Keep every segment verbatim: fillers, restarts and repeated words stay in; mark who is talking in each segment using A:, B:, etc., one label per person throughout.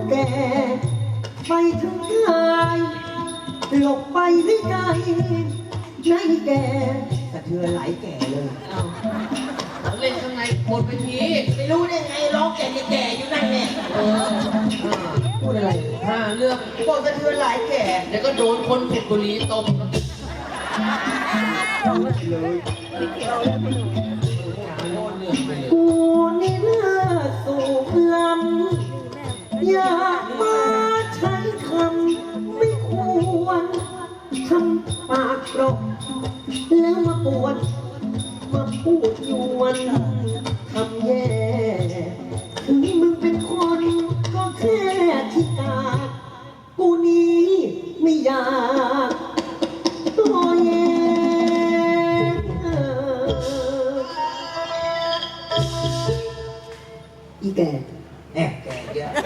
A: แก่ไปถึงกายหลบไปไม่ไกลในแก่สะเทือนไหลแก่เลย
B: เอาเล่นข้างในบนเวที
C: ไม่รู้ได้ไงร้องแก่แก่อยู่นั่นเนี่ย
B: เออ
A: พูดอะไร
B: ห้าเรื่อง
C: บอกสะเทือนไหลแก่
B: เดี๋ยวก็โดนคนผิดบุรีตบ
C: เลย
A: กูนี่เลือดสูบลำอยากมาใช้คำไม่ควรทำปากกรอกแล้วมาปวดมาพูดยวนทำแย่ถึงมึงเป็นคนก็แค่ที่กาดกูนี้ไม่อยากตัวแย่อีแก่
C: แอบแก่เยอะ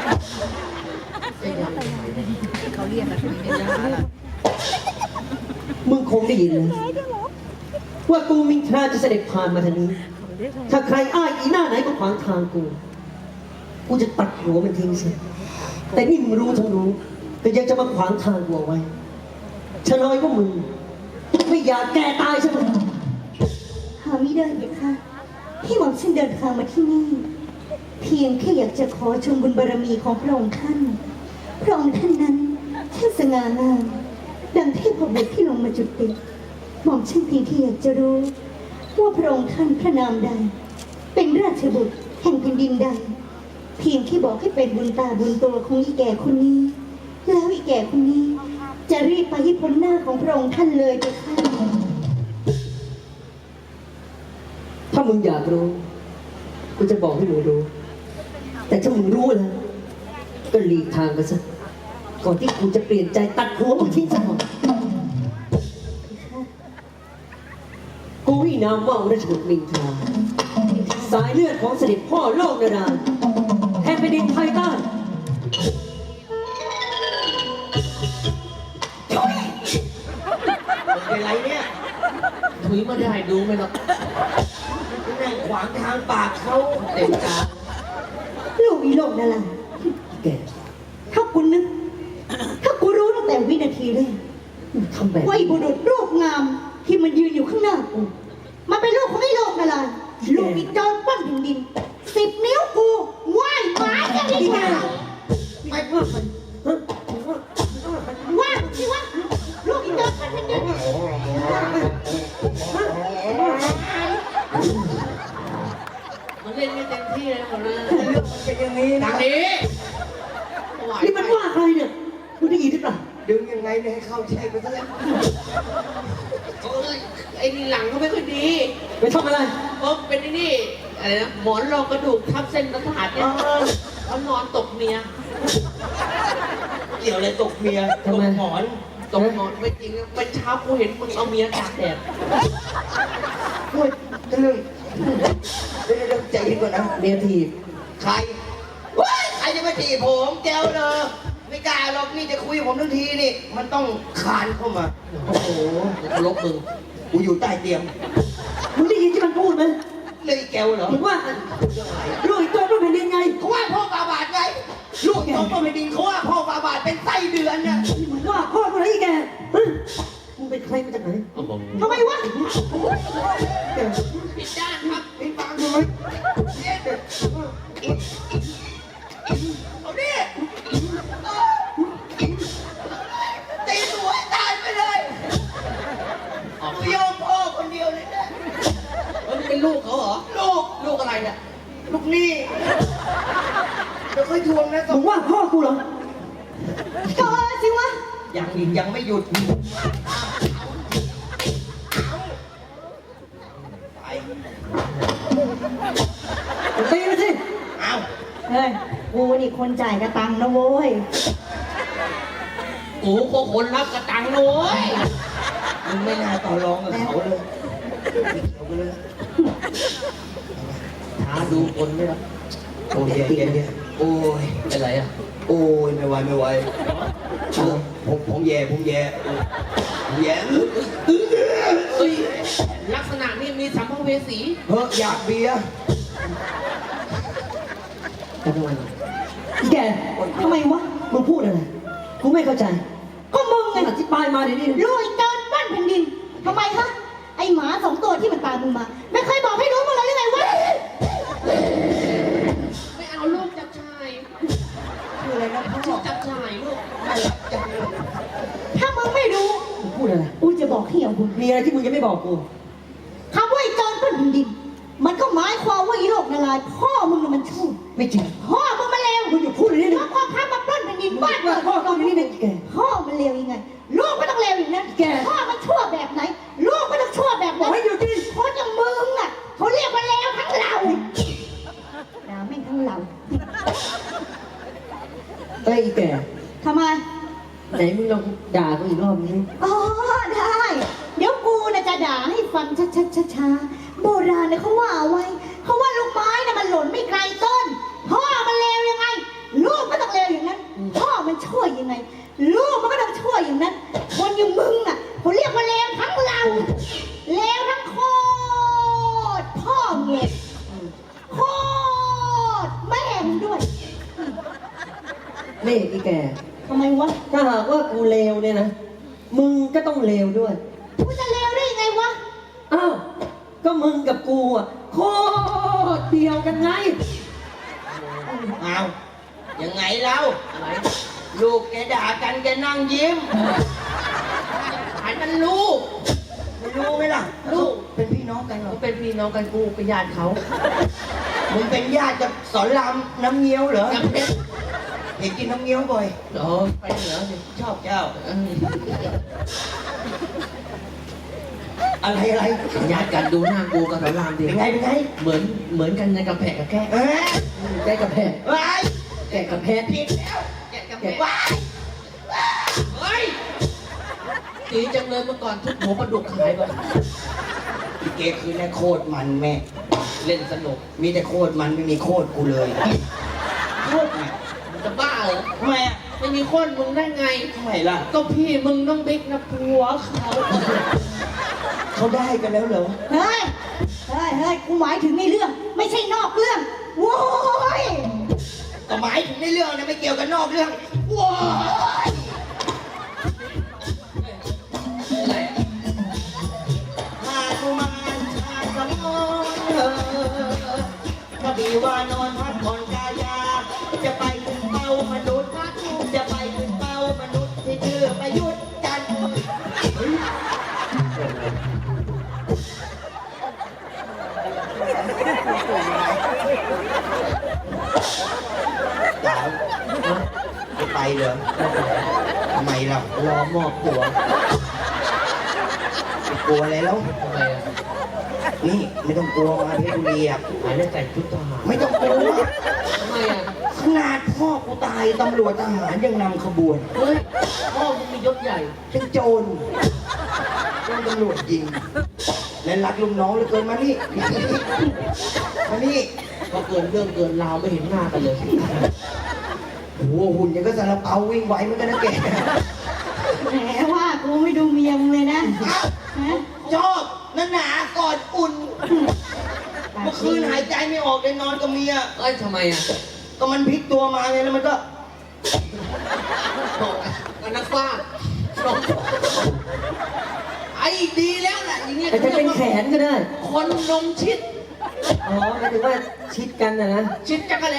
D: เขาเรียกกันไม่ได้
A: มึงคงได้ยินเลยว่ากูมินทราจะเสด็จผ่านมาทางนี้ถ้าใครอ้ายอีหน้าไหนก็ขวางทางกูกูจะตัดหัวมันทิ้งซะแต่นี่มึงรู้ทั้งรู้แต่ยังจะมาขวางทางกูเอาไว้ชะลอยก็มึงไม่อยากแก่ตายใช่ไหม
D: หาไม่ได้เลยค่ะที่หวังฉันเดินทางมาที่นี่เพียงแค่อยากจะขอชมบุญบารมีของพระองค์ท่านพระองค์ท่านนั้นช่างสง่างามดังเทพบุตรที่ลงมาจุติหม่อมฉันเพียงแค่อยากจะรู้ว่าพระองค์ท่านพระนามใดเป็นราชบุตรแห่งแผ่นดินใดเพียงแค่บอกให้เป็นบุญตาบุญตัวของอีแก่คนนี้แล้วอีแก่คนนี้จะรีบไปให้พ้นหน้าของพระองค์ท่านเลยไปค่ะ
A: ถ้ามึงอยากรู้กูจะบอกให้มึงรู้แต่ถ้ามึงรู้แล้วก็หลีกทางไปซะก่อนที่กูจะเปลี่ยนใจตัดหัวมึงทิ้งซะก่อนกูวินามว่าราชบุตรมินทราสายเลือดของเสด็จพ่อโลกนาดาแห่งแผ่นดินไทยใต้
C: เป็นไรเนี่ย
B: ถุยมาได้ดูไหมล่ะ
C: นั่งขวางทางปากเขา
B: เต็มตา
D: ลูกอีโลกนั่นแหละ
A: แก
D: ถ้าคุณนึกถ้ากูรู้ตั้งแต่วินาทีแรก
A: ทำแบบ
D: ว่าบุรุษรูปงามที่มันยืนอยู่ข้างหน้ากูมันเป็นลูกของไอ้โลกนั่นแหละลูกอีจอนปั้นถึงดินสิบนิ้วกูไหว้หมาอย่างนี้ไง
A: ไม่ว่ามัน
D: ว่าสิวะลูกอีจอนปั้นถึงดิน
B: มันเล่นไม่เต็มที่เลยหมดเลย
C: เรื่องมันเป็นอย่างนี้นะ
B: นี้
A: นี่มันว่าใครเนี่ยมึงได้ยินหรือเปล่า
C: ดึงยังไงเนี่ยให้เข้าแช่ไปซะแล้ว
B: ไอ้นี่หลังเขาไม่ค่อยดี
A: ไปทำอะไร
B: เพราะเป็นนี่อะไรนะหมอนรองกระดูกทับเส้นประสาทเนี่ยเขานอนตกเมีย
C: เกี่ยวอะไรตกเมียตกหมอน
B: ตกหมอนไม่จริงนะเป็นเช้ากูเห็นมึงเอาเมียตากแดด
C: โอ้ยทะลึ่งเดี๋ยวเดี๋ยวใจเย็นก่อนนะ
A: เมียที
C: ใครว้ายใครจะมาจีบผมแก้วเลยไม่กล้าหรอกนี่จะคุยกับผมทั้งทีนี่มันต้องคานเข้ามา
B: โอ้โหลบมึง
C: กูอยู่ใต้เตียง
A: มึงได้ยินที่มันพูดไหม
C: เลยแก้วเหรอ
A: มึงว่าลูกอีกตัวต้องเป็นยังไง
C: เขาว่าพ่อบาบาดไงลูกอีกตัวต้องเป็นดินเขาว่าพ่อบาบาดเป็นไส้เดือนน่ะ
A: มึงว่าพ่อคนไหนแกมึงเป็นใครมาจากไหน
D: ทำไมวะ
B: ผิดด้านครับ
C: ไอ้ฟังดูไหมเอาดิตีหัวตายไปเลยกูยอมพ่อคนเดียวเลยนะ
B: มันเป็นลูกเขาเหรอ
C: ลูก
B: ลูกอะไรเนี่ย
C: ลูกนี่เดี๋ยวค่อยทวงนะ
A: มึงว่าพ่อกูเหรอ
D: ก็จริงวะ
C: ยังยังไม่หยุด
A: ตีมาสิ
C: เอา
D: เฮ้ยกูนี่คนจ่ายกระตังนะโว้ย
B: กูก็คนรับกระตังนะโว้ย
C: มึงไม่น่าต่อรองกับเขาเลยเอาไปเลย
B: หาดูคนไม่รับ
C: โอ้ยเย็นๆโอ้ย
B: เป็นไรอ่ะ
C: โอ้ยไม่ไหวไม่ไหวผมผมแย่ผมแย่ผมแย่
B: เฮ้ยลักษณะนี้มีสัมภเวสี
C: เฮ้ยอยากเบียร์
A: กันวันแก
D: ทำไมวะ
A: มึงพูดอะไร กูไม่เข้าใจ
D: ก็มึงไง
A: อธิบายมาเดี๋ยวนี้
D: ลุยเกินบ้านแผ่นดินทำไมฮะไอหมาสองตัวที่มันตามมึงมา ไม่เคยบอกให้รู้มาเลยหรือไงวะ
B: ไม่เอาลูกจับชาย
C: คืออะไรนะพ่อ
B: ชื่อจับชายลูก
C: น่ารักจังเลย
D: ถ้ามึงไม่รู้
A: มึงพูดอะไร
D: กูจะบอกให้เอาบุญ
A: มีอะไรที่มึงยังไม่บอกกู
D: คำว่าไอ้โจรปล้นแผ่นดิน มันก็หมายความว่าไอ้โลกนาลายณ์พ่อมึงน่ะมันชั่ว
A: ไม่จริง
D: พ่อมึงมันเลว
A: มึงอย่าพูดเลย
D: เพ
A: นี่
D: ราะพ่อข้ามาปล้นแผ่นดินบ้าน
A: ว่า
D: เกิด
A: พ่อต้องนี่นะแก
D: พ่อมันเลวยังไง ลูกก็ต้องเลวอย่างนั้น
A: แก
D: พ่อมันชั่วแบบไหน ลูกก็ต้องชั่วแบบ
A: บอ
D: นั้
A: ก
D: น
A: ให้หยุดดิ
D: คนอย่างมึงอ่ะเขาเรียกว่าเลวทั้งเราด่าแม่งทั้งเรา
A: เอ้ยไอ้แก
D: ทำไม
A: ไหนมึงลองด่ากูอีกรอบนึง
D: อ๋อได้ เดี๋ยวกูน่ะจะด่าให้ฟังช้าๆช้าๆโบราณเนี่ยเขาว่าเอาไว้เขาว่าลูกไม้น่ะมันหล่นไม่ไกลต้น พ่อมันเลวยังไง ลูกก็ต้องเลวอย่างนั้น พ่อมันชั่วยังไง ลูกมันก็ต้องชั่วอย่างนั้น คนอย่างมึงอ่ะเขาเรียกว่าเลวทั้งเราเลวทั้งโคตรพ่อเงียโคตรแม่มึงด้วย
A: นี่ไอ้แก
D: ทำไมวะ
A: ถ้าหากว่ากูเลวเนี่ยนะ มึงก็ต้องเลวด้วย
D: กูจะเลวได้ยังไงวะ
A: อ้าว ก็มึงกับกูอ่ะโคตรเดียวกันไง
C: เอายังไงเราอะไรลูกแกด่ากันแกนั่งยิ้ม
B: หายมันลูก
C: ไม่รู้ไหมล่ะ
B: ลูก
C: เป็นพี่น้องกันเหรอ
B: เขาเป็นพี่น้องกันกูเป็นญาติเขา
C: มึงเป็นญาติกับสอนรามน้ำเงี้ยวเหรอ
B: จำเป็น
C: เห็นกินน้ำเงี้ยวบ่อย
B: เออไปเหนือสิ
C: ชอบเจ้า
B: เออ
C: อะไรอะไร
B: ญาติกันดูหน้ากูกับสอนรามดิ
C: เป็นไงเป็นไง
B: เหมือนเหมือนกันในกระแพะกับแกะ
C: เอ๊ะ
A: แกกับแพะ
C: ว้าย
A: แกกับแพะ
C: ผิดแล้ว
B: แกะกับแพะ
C: ว้าย
B: เฮ้ยตีจังเลยเมื่อก่อนทุกหัวปลาดุกขายก่อน
C: อีเกคือแน่โคตรมันแม่
B: เล่นสนุก
C: มีแต่โคตรมันไม่มีโคตรกูเลย โคตรมัน
B: มึงจะบ้าเหรอ
C: ทำไมอ่ะ
B: ไม่มีคนมึงได้ไง
C: ทำไมล่ะ
B: ก็พี่มึงต้องบิ๊กนะผัวเขา
C: เขาได้กันแล้วเหรอ
D: เฮ้ย เฮ้ย เฮ้ย กูหมายถึงในเรื่อง ไม่ใช่นอกเรื่อง โว้ย
C: ก็หมายถึงในเรื่องนะไม่เกี่ยวกับนอกเรื่องว้าย
B: อะไร
C: หากุมารชาสมองเออกระบี่ว่านอนพักผ่อนกายา จะไปถึงเป้ามนุษย์ จะไปถึงเป้ามนุษย์ที่ชื่อประยุทธ์จันทร์สาวจะไปเหรอทำไมล่ะ
B: รอมอบผัว
C: กลัวอะไรแล้ว
B: ทำไมอ่ะ
C: นี่ไม่ต้องกลัวมาเพชรบุรีอ่ะ
B: หายได้แต่งชุดทหาร
C: ไม่ต้องกลัว
B: ทำไมอ่ะ
C: ขนาดพ่อกูตายตำรวจทหารยังนำขบวน
B: เฮ้ยพ่อมึงมียศใหญ่
C: เป็นโจรโดนตำรวจยิง และรักลูกน้องเหลือเกินมานี่ มานี่
B: ก็เกินเรื่องเกินราวไม่เห็นหน้ากันเลย
C: โอ้โหหุ่นยังก็ซาลาเปาวิ่งไวเหมือนกันนะแก
D: แหมว่ากูไม่ดูเมียมึงเลยนะ
C: อ้าว
D: ฮะ
C: ชอบนั่นหนากอดอุ่น เมื่อคืนหายใจไม่ออกเลยนอนกับเมีย
B: เอ้ยทำไมอ่ะ
C: ก็มันพลิกตัวมาไงแล้วมันก็
B: กันนักฟ้าไอ้ดีแล้วแหละอย่างเงี้ย
A: แต่จะเป็นแขนก็ได้
B: คนนมชิด
A: อ๋อหมายถึงว่าชิดกันนะนะ
B: ชิดจักรแล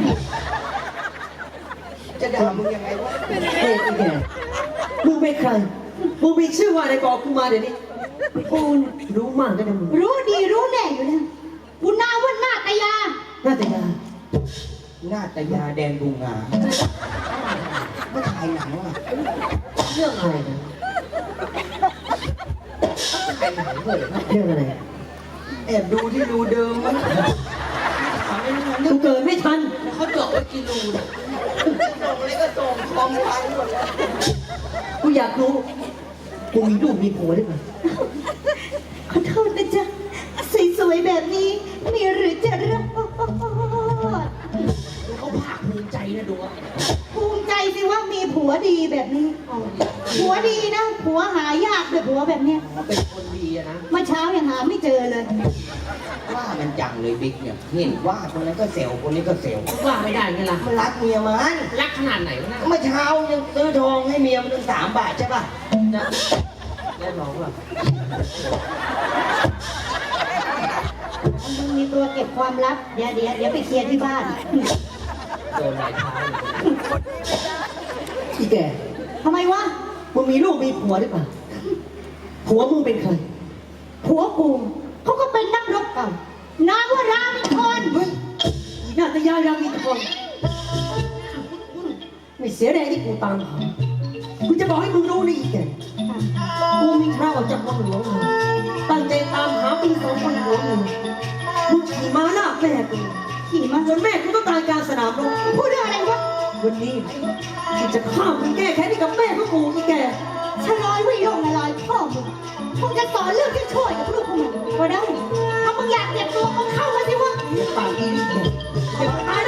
C: จะด่ามึงยังไงวะ
A: เฮ้ยไอ้แก มึงเป็นใคร มึงมีชื่อว่าอะไรบอกกูมาเดี๋ยวนี้
D: กูน่ะ
A: รู้มากก็ได้มึง
D: รู้ดีรู้แน่อยู่แล้วกูนาว่าหน้าตายา
A: น่าจะยา
C: หน้าตายาแดนบูงาไม่ถ่ายหนังอ่ะ
B: เรื่องอะไรนะใครหายเลย
A: เรื่องอะไร
C: แอบดูที่รูเดิมมั้งถามไม่รู้นะ
A: กูเกิดไม่ทัน
B: เขาเจาะไว้กี่รูเนี่ย
C: ส่งอะไรก็ส่งคอมพังหมดแล้ว
A: กูอยากรู้ กูมีลูกมีผัวหรือเปล่า
D: ขอโทษนะจ๊ะสวยๆแบบนี้มีหรือจะรอด
B: เขาภาคภูมิใจนะดูว่า
D: ภูมิใจสิว่ามีผัวดีแบบนี้ ผัวดีนะ ผัวหายากเลยผัวแบบเนี้ย
B: เขาเป็นคนดีอะนะ
D: เมื่อเช้ายังหาไม่เจอเลย
C: ว่าไหมมันจังเลยบิ๊กเนี่ยเห็นว่าคนนั้นก็เซลล์คนนี้ก็เซลล์
B: ว่าไม่ได้ไงล่ะ
C: มันรักเมียมัน
B: รักขนาดไหนวะนะ
C: เมื่อเช้ายังซื้อทองให้เมียมันตั้งสามบาทใช่ป่ะ
B: นะแล้วน้องล่ะ
D: มึงมีตัวเก็บความลับ เดี๋ยวเดี๋ยวเดี๋ยวไปเคลียร์ที่บ้าน
B: โดนหลายเท้าเลย
A: อีแก
D: ทำไมวะ
A: มึงมีลูกมีผัวหรือเปล่าผัวมึงเป็นใคร
D: ผัวกูเขาก็เป็นนักรบเก่า นามว่ารามินทร
A: เฮ้ยน่าจะยายามีคนไม่เสียแรงที่กูตามหากูจะบอกให้มึงรู้นี่อีกแกกูมีคราวจากวังหลวงมาตั้งใจตามหาปีสองคนหลวงหนึ่งมึงขี่ม้าหน้าแม่กู
D: ขี่มา
A: จนแม่กูต้องตายกลางสนามรบ
D: พูดเรื่องอะไรวะ
A: วันนี้กูจะฆ่ามึงแก้แค้นให้กับแม่ของกูอีกแก
D: ฉลอยวิโรจน์ละลอยพ่อมึงมึงจะสอนเรื่องที่ช่วยกับลูกของมึงก็ได้ ถ้ามึงอยากเก็บตัวมึงเข้ามาสิวะ
A: ปากดีนี่แกอย่าตาย